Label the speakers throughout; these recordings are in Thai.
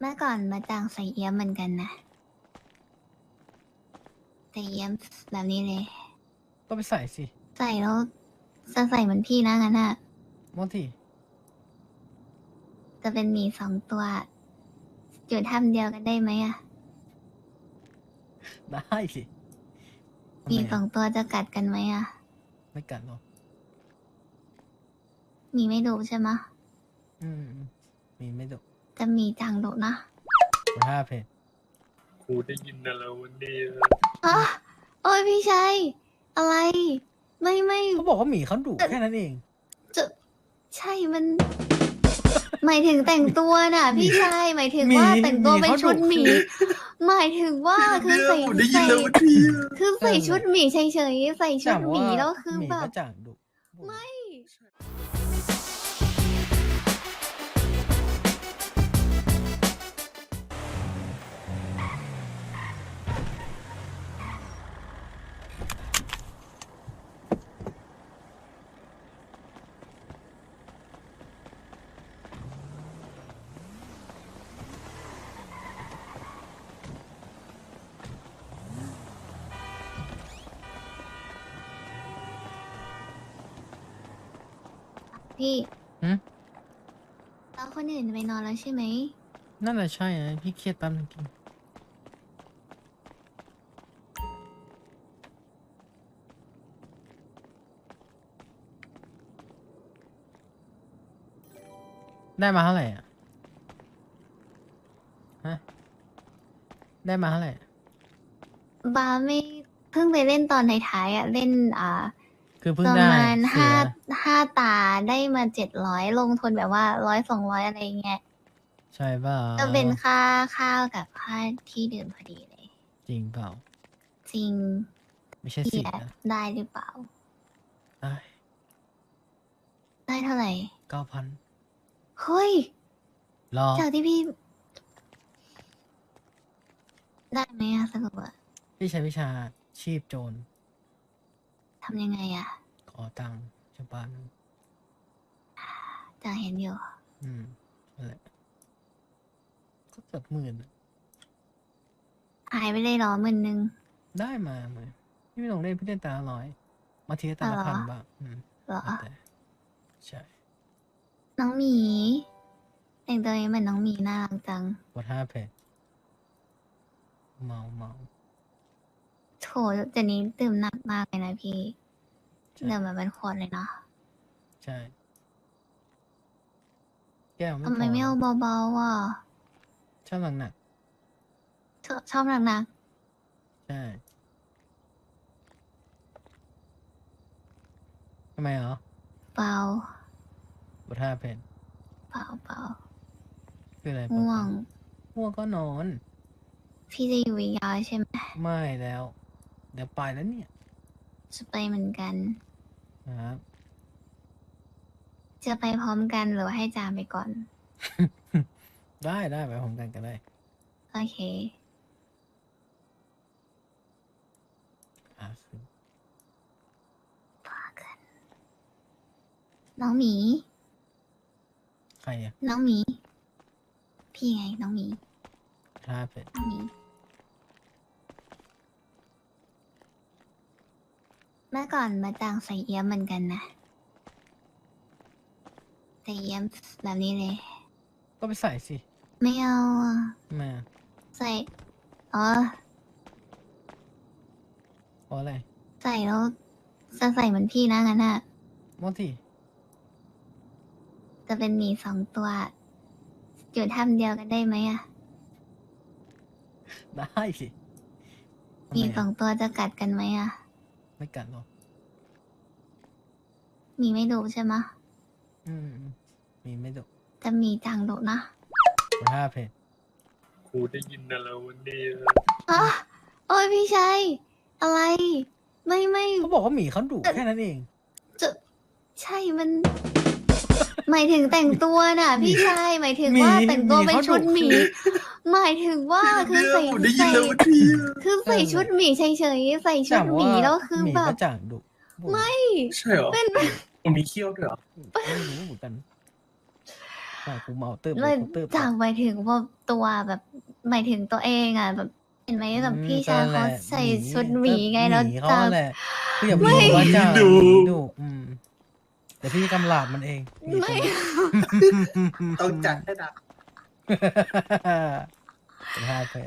Speaker 1: มื่อก่อนมาจางใส่เอี้ยมเหมือนกันนะแต่เอี้ยมแบบนี้เลย
Speaker 2: ก็ไปใส่สิ
Speaker 1: ใส่แล้วจะใส่เหมือนพี่นะงั้นอะ
Speaker 2: บางที
Speaker 1: จะเป็นหมี2 ตัวอยู่ถ้ำเดียวกันได้ไหมอะ
Speaker 2: ได้สิ
Speaker 1: หมี2 ตัวจะกัดกันไหมอะ
Speaker 2: ไม่กัดหรอก
Speaker 1: หมีไม่ดุใช่ไหมะ
Speaker 2: มีไม่ดุ
Speaker 1: จะหมีจางดุนะ
Speaker 2: 5 เพจ
Speaker 3: ครูได้ยินนะแล้ววันนี้
Speaker 1: อะโอ้ยพี่ชัยอะไร ไม่
Speaker 2: เขาบอกว่าหมีเขาดุแค่นั้นเอง
Speaker 1: จะใช่มัน หมายถึงแต่งตัวน่ะ พี่ชัยหมายถึงว่า
Speaker 2: หมี
Speaker 1: แต่งตัวเป็น
Speaker 2: หมีเขา
Speaker 1: ชุด
Speaker 2: ดุ
Speaker 1: หมี หมายถึงว่าคือใส่
Speaker 3: ผมได้ยินแล้ววันนี้
Speaker 1: คือใส่ชุดหมีเฉยๆใส่ชุดหมีแล้วคือ
Speaker 2: หมี
Speaker 1: แบ
Speaker 2: ก็
Speaker 1: บ
Speaker 2: จางดุ
Speaker 1: ไม่ พี่
Speaker 2: หืม
Speaker 1: แล้วคนอื่นไปนอนแล้วใช่ไหม
Speaker 2: นั่นแหละใช่นะพี่เครียดแป๊บนึงกินได้มาเท่าไหร่อ่ะ ฮะ ได้มาเท่าไหร่
Speaker 1: บาไม่เพิ่งไปเล่นตอนท้ายๆอ่ะ เล่น
Speaker 2: คือเพิ่
Speaker 1: ป
Speaker 2: ง
Speaker 1: ระ
Speaker 2: ได้
Speaker 1: มาณ
Speaker 2: เสีย
Speaker 1: ห้าตาได้มา700ลงทุนแบบว่า100-200อะไรเงี้ย
Speaker 2: ใช่เปล่า
Speaker 1: ก็เป็นค่าข้าวกับค่าที่ดื่มพอดีเลย
Speaker 2: จริงเปล่า
Speaker 1: จริง
Speaker 2: ไม่ใช่
Speaker 1: พี่
Speaker 2: สิ
Speaker 1: อะ
Speaker 2: นะ
Speaker 1: ได้หรือเปล่า
Speaker 2: ได้
Speaker 1: ได้เท่าไหร่
Speaker 2: 9,000
Speaker 1: เฮ้ย
Speaker 2: รอ
Speaker 1: จากที่พี่ ได้ไหมอะสรุปอะ
Speaker 2: พี่ใช้วิชาชีพโจร
Speaker 1: ทำยังไงอะ
Speaker 2: ขอตังค์ชาวบ้าน
Speaker 1: จากเห็นอยู่
Speaker 2: นั่นแหละ ก็เกือบ10,000อะ
Speaker 1: หายไปเลยเหรอ10,000
Speaker 2: ได้มาไหมพี่ไม่ลงเล่นพี่เล่นตาละ100มาทีละตาละ
Speaker 1: อ๋อเหรอ
Speaker 2: 1,000บ้าง
Speaker 1: เหรอ
Speaker 2: แล้วแต่ใช่
Speaker 1: น้องหมีแต่งตัวนี้เหมือนน้องหมีน่ารักจัง
Speaker 2: กด5 เพจเมา
Speaker 1: โถเดี๋ยวนี้ดื่มหนักมากเลยนะพี่
Speaker 2: ใช่
Speaker 1: ดื่มแบบเป็นขวดเลยเนาะ
Speaker 2: ใช่ แก้วไม่
Speaker 1: ทำไม
Speaker 2: พอ
Speaker 1: ไม่เอาเบาๆอ่ะ
Speaker 2: ชอบหนัก
Speaker 1: ชอบหนัก
Speaker 2: ๆใช่ทำไมเหรอ
Speaker 1: ๆเบาก
Speaker 2: ด5 เพจ
Speaker 1: เบา
Speaker 2: คืออะไร
Speaker 1: ง่วง
Speaker 2: ง่วงก็นอน
Speaker 1: พี่จะอยู่อีกยาวใช่ไหม
Speaker 2: ไม่แล้ว เดี๋ยวไปแล้วเนี่ย
Speaker 1: จะไปเหมือนกัน
Speaker 2: นะครับ
Speaker 1: จะไปพร้อมกันหรือว่าให้จามไปก่อน
Speaker 2: ได้ไปพร้อมกันก็ได้
Speaker 1: โอเค
Speaker 2: คือ
Speaker 1: น้องหมี
Speaker 2: ใครอ่ะ
Speaker 1: น้องหมี พี่ไงน้องหมี
Speaker 2: 5 เพจ
Speaker 1: น้องหมี เมื่อก่อนมาจางใส่เอี้ยมเหมือนกันนะแต่เอี้ยมแบบนี้เลย
Speaker 2: ก็ไปใส่สิ
Speaker 1: ไม่เอาอะ
Speaker 2: มา
Speaker 1: ใส่ อ๋อ
Speaker 2: เพราะอะไร
Speaker 1: ใส่แล้วจะใส่เหมือนพี่นะงั้นอะ
Speaker 2: บางที
Speaker 1: จะเป็นหมี2 ตัวอยู่ถ้ำเดียวกันได้ไหมอะ
Speaker 2: ได้สิทำ
Speaker 1: หมี
Speaker 2: ไมอะ
Speaker 1: 2 ตัวจะกัดกันไหมอะ
Speaker 2: ไม่กัดหรอก
Speaker 1: หมีไม่ดุใช่ไหมะ
Speaker 2: มีไม่ดุ
Speaker 1: แต่หมีจางดุนะ
Speaker 2: กด5 เพจ
Speaker 3: ครูได้ยินนะแล้ววันนี้
Speaker 1: อะโอ้ยพี่ชัยอะไร ไม่
Speaker 2: เขาบอกว่าหมีเขาดุแค่นั้นเอง
Speaker 1: จะใช่มัน หมายถึงแต่งตัวน่ะ พี่ชัยหมายถึง
Speaker 2: หมี
Speaker 1: ว่าแต่งตัวเป็น
Speaker 2: หมีเขา
Speaker 1: ชุด
Speaker 2: ดุ
Speaker 1: หมี หมายถึงว่าคือใส่
Speaker 3: ผมได้ยินแล้ววันนี้
Speaker 1: คือใส่ชุดหมีเฉยๆใส่ชุดหมีแล้วคือ
Speaker 2: หมี
Speaker 1: แบ
Speaker 2: ก็
Speaker 1: บ
Speaker 2: จางดุ
Speaker 1: ไม่
Speaker 3: ใช่เหรอ
Speaker 1: เป็น
Speaker 3: ผมมีเขี้ยวด้วยเหรอ
Speaker 2: ไม่รู้เหมือนกันกูเมาเติบ
Speaker 1: เลย
Speaker 2: กูเติบ
Speaker 1: จากหมายถึงว่าตัวแบบหมายถึงตัวเองอ่ะแบบเห็นไหมแบบพี่ชายเขาใส่ชุดหมีไงแล้ว
Speaker 2: หมีเขา
Speaker 1: จาก
Speaker 2: แหละพี่อย่าพูดว่าจ้าหมีดุเดี๋ยวพี่กำลาบมันเองหมีตัวนี้
Speaker 3: ต้องจัดให้หนัก
Speaker 2: เป็นห้าเพจ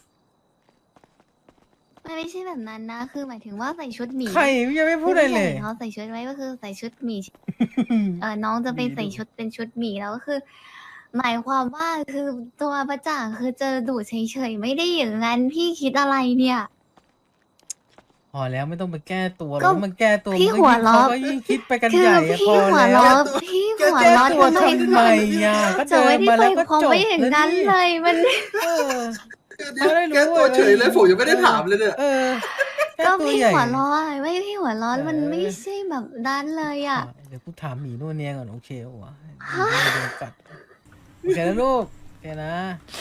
Speaker 1: มันไม่ใช่แบบนั้นนะ คือหมายถึงว่าใส่ชุดหมี
Speaker 2: ใครยังไม่พูดอะไรเลย
Speaker 1: ที่ผู้ชาเขาใส่ชุดไว้ก็คือใส่ชุดหมีน้องจะไปใส่ชุดเป็นชุดหมีแล้วก็คือ หมายความว่าคือตัวประจ่างคือเจอดูดเฉยๆไม่ได้อย่างนั้นพี่คิดอะไรเนี่ย
Speaker 2: พอแล้วไม่ต้องไปแก้ตัว
Speaker 1: ก็
Speaker 2: แล้วมันแก้ตัว
Speaker 1: พี่
Speaker 2: มัน
Speaker 1: หัว
Speaker 2: ยิ่ง
Speaker 1: เราะ
Speaker 2: เขาก็ยิ่งคิดไปกัน
Speaker 1: คื
Speaker 2: ให
Speaker 1: อ
Speaker 2: ญ่อะ
Speaker 1: พี่
Speaker 2: พอ
Speaker 1: หัว
Speaker 2: แล้ว
Speaker 1: เราะพี่หัว
Speaker 2: แก้
Speaker 1: เราะ
Speaker 2: ตัว
Speaker 1: ทำไม
Speaker 2: ทำไมอ่ะก็
Speaker 1: จะ
Speaker 2: เดิ
Speaker 1: ไม่
Speaker 2: น
Speaker 1: ได้
Speaker 2: มา
Speaker 1: ไป
Speaker 2: แล้วก็
Speaker 1: ความ
Speaker 2: จบ
Speaker 1: ไม่อย่าง
Speaker 2: แล้ว
Speaker 1: นั้น
Speaker 2: นี่
Speaker 1: เลยมัน
Speaker 2: เออ เขาได้รู้
Speaker 3: แก้ตัวเฉยเลยผมยังไม่ได้ถามเลยเนี่ย
Speaker 2: เออแก้
Speaker 1: ก็
Speaker 2: ตัว
Speaker 1: พี่
Speaker 2: ใหญ่
Speaker 1: หัวร้อนไม่พี่หัวร้อนมัน
Speaker 2: เออ
Speaker 1: ไม่ใช่แบบนั้นเลยอ่ะ
Speaker 2: เดี๋ยวกูถามหมีนู่นเนี่ยก่อนโอเคเหรอวะหมีไม่โดนกัดโอเคนะลูกโอเคนะ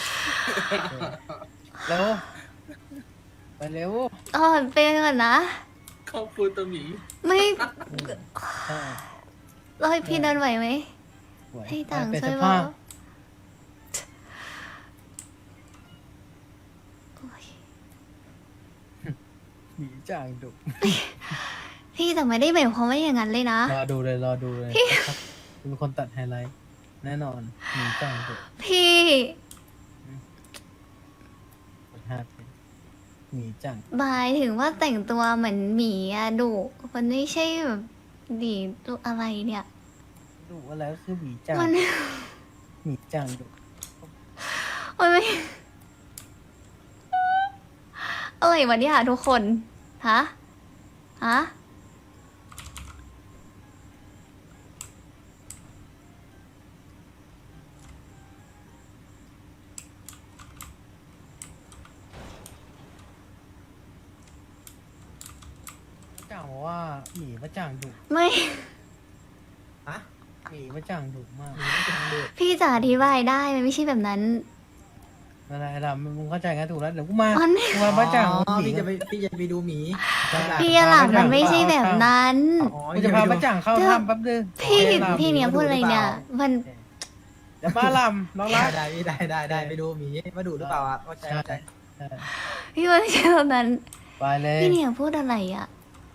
Speaker 2: โอเคแล้วไปเร็ว
Speaker 1: อ๋อเป็นก่อนนะ
Speaker 3: ขอบคุณตัวหมี
Speaker 1: ไม่
Speaker 2: ใช่
Speaker 1: เราให้พี่เดินไหวไหม
Speaker 2: ไหว
Speaker 1: ให้ต่าง
Speaker 2: ไป
Speaker 1: ช่วย
Speaker 2: ส
Speaker 1: บอ
Speaker 2: ภาก พ
Speaker 1: โอ้ย
Speaker 2: หมีจ่างดุ
Speaker 1: พี่แต่ไม่ได้หมายความว่าอย่างนั้นเลยนะ
Speaker 2: รอดูเลยครับเป็นคนตัดไฮไลท์แน่นอนหมีจ่างดุ
Speaker 1: พี่
Speaker 2: กดห้าเป็นหมีจ่าง
Speaker 1: หมายถึงว่าแต่งตัวเหมือนหมีอะดุมันไม่ใช่แบบดีดุอะไรเนี่ย
Speaker 2: ดุอะไรก็คือหมีจ่าง
Speaker 1: มัน
Speaker 2: หมีจ่างดุ
Speaker 1: มันไม่อะไรวะเนี่ยทุกคน ฮะ ฮะ
Speaker 2: จ่างบอกว่าหมีมาจ่างดุ
Speaker 1: ไม่
Speaker 2: หมีมาจ่างดุมาก
Speaker 1: พี่จะอธิบายได้มันไม่ใช่แบบนั้น
Speaker 2: อะไรล่ะมึงเข้าใจกันถูกแล้วเดี๋ยวกูมา
Speaker 1: มัน
Speaker 2: กูมามาจ่างหมี
Speaker 4: พี่จะไปดูหมี
Speaker 1: พี่หลังมันไม่ใช่แบบนั้น
Speaker 4: อ๋อ
Speaker 2: กูจะพามาจ่างเข้าถ้ำแป๊บนึง
Speaker 1: พี่
Speaker 2: โอเคลำ
Speaker 1: พี่เนี่ยพูดอะไรเนี่ย มัน
Speaker 2: เดี๋ยวมาลำน้องรัก
Speaker 4: ได้ไปดูหมีมาดูหรือเปล่าอ่ะเข้าใจ
Speaker 2: ใช่
Speaker 4: เข้าใจ
Speaker 2: ใช่
Speaker 1: พี่มันไม่ใช่แบบนั้น
Speaker 2: ไปเลย
Speaker 1: พี่เนี่ยพูดอะไรอ่ะ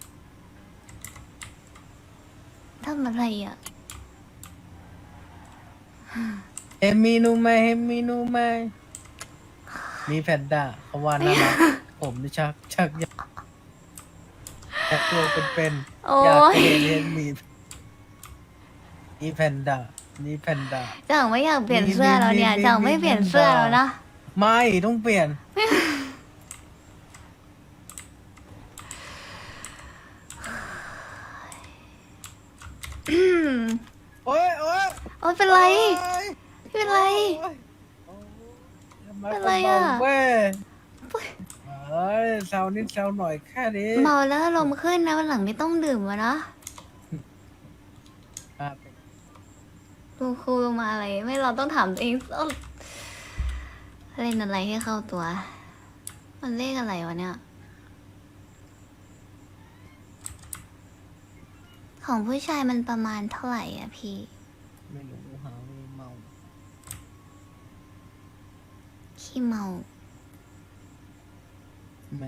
Speaker 1: ทำอะไรอ่ะ
Speaker 2: เฮมินูไหมเฮมินูไหมมีแพนด้าเขาว่าน่ารักผมนี่ชักอยากตัวเป็น
Speaker 1: โอ้
Speaker 2: ๆอยาก
Speaker 1: ย
Speaker 2: เรียนมีแพนด้ามีแพนด้า
Speaker 1: จังไม่อยากเปลี่ยนเสื้อแล้วเนี่ย
Speaker 2: มี
Speaker 1: จังไม่เปลี่ยนเสื้อแล้วนะ
Speaker 2: ไม่ต้องเปลี่ยน
Speaker 1: อืม
Speaker 2: โอ๊ย
Speaker 1: โอ้ยเป็นไร
Speaker 2: โอ๊ย
Speaker 1: เป็นไร
Speaker 2: โอ๊ย
Speaker 1: เป็นไรอะ
Speaker 2: เว้ยเอ้ยเซานิดเซาหน่อยแค่นี้
Speaker 1: เมาแล้วอารมณ์ขึ้นนะวันหลังไม่ต้องดื่มวะนะ
Speaker 2: ครับ
Speaker 1: ครูมาอะไร ไม่เราต้องถามตัวเองเล่นอะไรให้เข้าตัว มันเลขอะไรวะเนี่ย ของผู้ชายมันประมาณเท่าไหร่อ่ะพี่
Speaker 2: ไม่รู้หาไม่เมา
Speaker 1: ขี้เมา
Speaker 2: แม่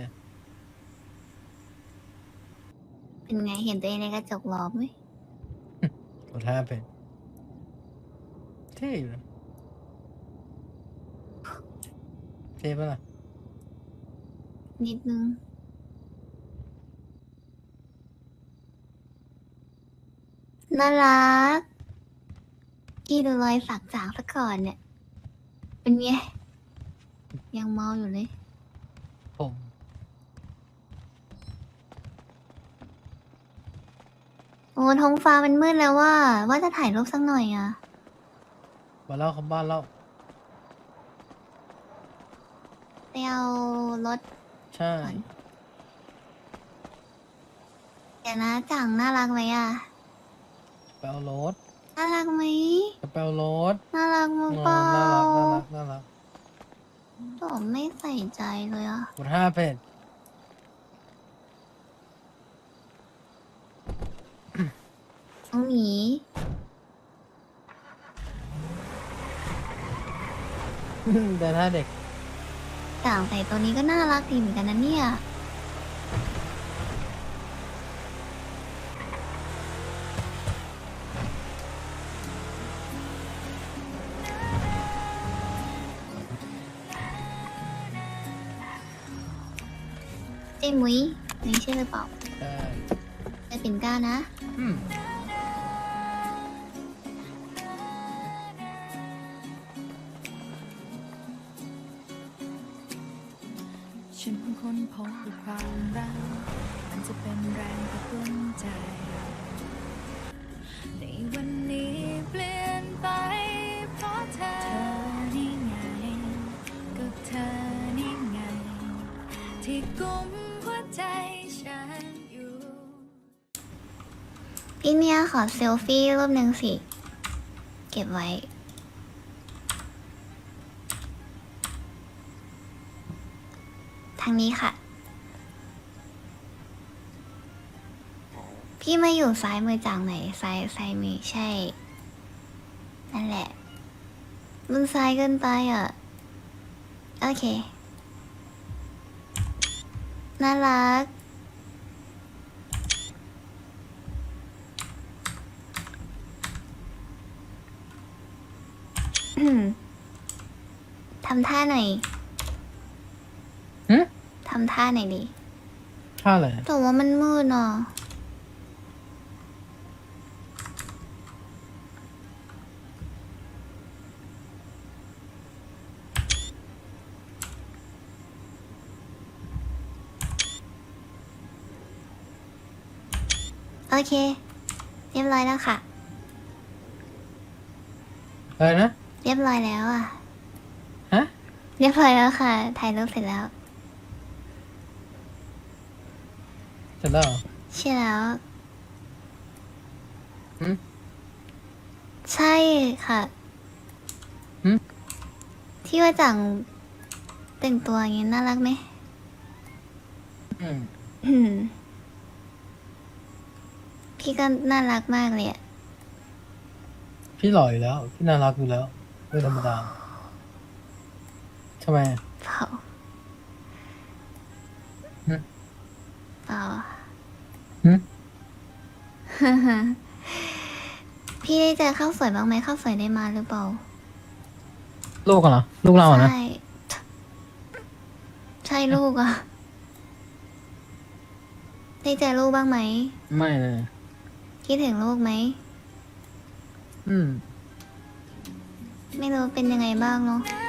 Speaker 1: เป็นไงเห็นตัวเองในกระจกหรอไหม
Speaker 2: กดห้าเป็นเท่อยู่นะเท่ปะล่ะ
Speaker 1: นิดนึง น่ารักพี่ดูรอยสักจางซะก่อนเนี่ย เป็นไง ยังเมาอยู่เลย
Speaker 2: ผม
Speaker 1: โอ้ท้องฟ้ามันมืดแล้วว่าจะถ่ายรูปสักหน่อยอ่ะ
Speaker 2: มาเล่าคำบ้านเล่า
Speaker 1: ไปเอารถ
Speaker 2: ใช่
Speaker 1: ก่อน เดี๋ยวนะจังน่ารักไหมอ่ะ
Speaker 2: ไปเอารถ
Speaker 1: น่ารักไหม
Speaker 2: จะไปเอารถ
Speaker 1: น่ารักมั้ง
Speaker 2: อ๋อ
Speaker 1: เปล่า
Speaker 2: น่ารัก
Speaker 1: ผมไม่ใส่ใจเลยอ่ะ
Speaker 2: กดห้าเป็น
Speaker 1: น้องหมี
Speaker 2: แต่ถ้าเด็ก
Speaker 1: ต่างใส่ตัวนี้ก็น่ารักดีเหมือนกันนะเนี่ยเจ้มุ้ยนี่ใช่หรือเปล่า
Speaker 2: ใช่
Speaker 1: จะเป็นก้านะ
Speaker 2: อืม
Speaker 5: ฉันค้นพบว่าความรักมันจะเป็นแรงกระตุ้นใจ ในวันนี้เปลี่ยนไปเพราะเธอนี่ไงกับเธอนี่ไง ที่กุมหัวใจฉันอยู่
Speaker 1: พี่เนี่ยขอเซลฟี่รูปหนึ่งสิ เก็บไว้ ทางนี้ค่ะ พี่มาอยู่ซ้ายมือจากไหนซ้ายมือใช่ นั่นแหละมึงซ้ายเกินไปอ่ะ โอเค น่ารัก ทำท่าหน่อย
Speaker 2: หึ
Speaker 1: ทำท่าหน่อยดิ
Speaker 2: ท่าอะไร
Speaker 1: แต่ว่ามันมืดเนาะโอเค เรียบร้อยแล้วค่ะ
Speaker 2: อะไรนะ
Speaker 1: เรียบร้อยแล้วอ่ะ
Speaker 2: ฮะ
Speaker 1: เรียบร้อยแล้วค่ะ ถ่ายรูปเสร็จแล้ว
Speaker 2: เสร็จแล้วเหรอ
Speaker 1: ใช่แล้ว
Speaker 2: หืม
Speaker 1: ใช่ค่ะ
Speaker 2: หืม
Speaker 1: ที่ว่าจังแต่งตัวอย่างนี้น่ารักไหม
Speaker 2: อืม
Speaker 1: อืม พี่ก็น่ารักมากเลยอะ
Speaker 2: พี่หล่ออยู่แล้ว พี่น่ารักอยู่แล้วไม่ธรรมดาทำไม
Speaker 1: เปล่า
Speaker 2: หืม
Speaker 1: เปล่า
Speaker 2: หืม
Speaker 1: พี่ได้เจอข้าวสวยบ้างไหมข้าวสวยได้มาหรือเปล่า
Speaker 2: ลูกกันเหรอ ลูกเราอะนะ
Speaker 1: ใช่ ใช่ลูกอะได้เจอลูกบ้างไหม
Speaker 2: ไม่เลย
Speaker 1: คิดถึงลูกไหม
Speaker 2: อืม
Speaker 1: ไม่รู้เป็นยังไงบ้างเนาะ
Speaker 5: น